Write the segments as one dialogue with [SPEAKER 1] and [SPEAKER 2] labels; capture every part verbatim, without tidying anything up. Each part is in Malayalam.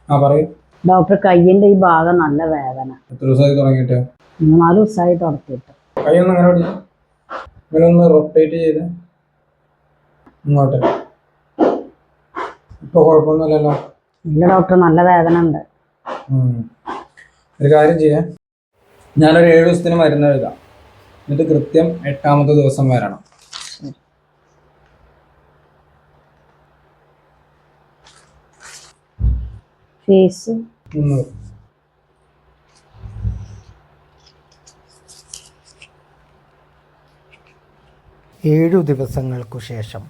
[SPEAKER 1] ആ പറയൂ.
[SPEAKER 2] ഡോക്ടർ കയ്യിന്റെ ഈ ഭാഗം നല്ല വേദന.
[SPEAKER 1] എത്ര ദിവസമായി തുടങ്ങിയിട്ട്?
[SPEAKER 2] മൂന്നാല് ദിവസമായി തുടങ്ങിയിട്ട്.
[SPEAKER 1] കൈ ഒന്ന് അങ്ങനെ പിടിച്ചു, ഇങ്ങനെ ഒന്ന് റൊട്ടേറ്റ് ചെയ്ത് ഇങ്ങോട്ട്. ഇപ്പൊ കുഴപ്പമൊന്നുമില്ലല്ലോ?
[SPEAKER 2] ഇല്ല ഡോക്ടർ, നല്ല വേദന ഉണ്ട്.
[SPEAKER 1] ഒരു കാര്യം ചെയ്യാം, ഞാനൊരു ഏഴു ദിവസത്തിന് മരുന്ന് എഴുതാം, എന്നിട്ട് കൃത്യം എട്ടാമത്തെ ദിവസം വരണം.
[SPEAKER 2] ഫീസ്
[SPEAKER 1] മുന്നൂറ്.
[SPEAKER 3] ഏഴു ദിവസങ്ങൾക്കു ശേഷം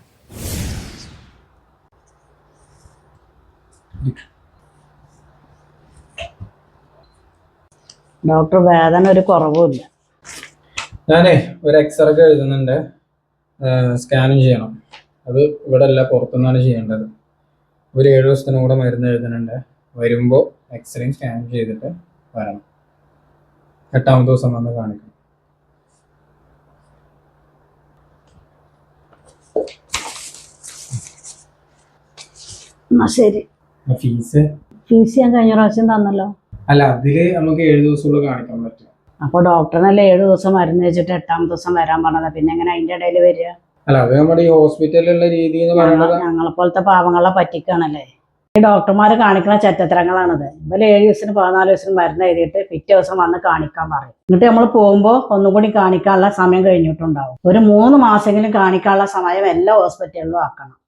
[SPEAKER 2] ഡോക്ടർ വേദന ഒരു കുറവുമില്ല.
[SPEAKER 1] ഞാനേ ഒരു എക്സ്റേ ഒക്കെ എഴുതുന്നുണ്ട്, സ്കാനും ചെയ്യണം. അത് ഇവിടെ അല്ല, പുറത്തുനിന്നാണ് ചെയ്യേണ്ടത്. ഒരു ഏഴു ദിവസത്തിനും കൂടെ മരുന്ന് എഴുതുന്നുണ്ട്. വരുമ്പോൾ എക്സ്റേയും സ്കാനും ചെയ്തിട്ട് വരണം. എട്ടാമത്തെ ദിവസം വന്ന് കാണിക്കണം.
[SPEAKER 2] എന്നാ ശരി.
[SPEAKER 1] ഫീസ്
[SPEAKER 2] ഫീസ് ഞാൻ കഴിഞ്ഞ പ്രാവശ്യം തന്നല്ലോ.
[SPEAKER 1] അല്ല, അതില് നമുക്ക് ഏഴു ദിവസമുള്ള കാണിക്കാൻ പറ്റും.
[SPEAKER 2] അപ്പൊ ഡോക്ടറിനല്ലേ ഏഴു ദിവസം മരുന്ന് വെച്ചിട്ട് എട്ടാമത്തെ ദിവസം വരാൻ പറഞ്ഞത്, പിന്നെ എങ്ങനെ അതിന്റെ ഇടയിൽ വരിക?
[SPEAKER 1] അല്ല, അത് നമ്മുടെ ഈ ഹോസ്പിറ്റലിലുള്ള രീതി എന്ന് പറയുന്നത്
[SPEAKER 2] ഞങ്ങളെ പോലത്തെ പാവങ്ങളെ പറ്റിക്കാണല്ലേ. ഈ ഡോക്ടർമാര് കാണിക്കുന്ന ചെറ്റത്തരങ്ങളാണിത്. ഇവര് ഏഴ് ദിവസത്തിന് പതിനാല് ദിവസത്തിന് മരുന്ന് എഴുതിയിട്ട് പിറ്റേ ദിവസം വന്ന് കാണിക്കാൻ പറയും. എന്നിട്ട് നമ്മൾ പോകുമ്പോൾ ഒന്നും കൂടി കാണിക്കാനുള്ള സമയം കഴിഞ്ഞിട്ടുണ്ടാവും. ഒരു മൂന്ന് മാസമെങ്കിലും കാണിക്കാനുള്ള സമയം എല്ലാ ഹോസ്പിറ്റലിലും ആക്കണം.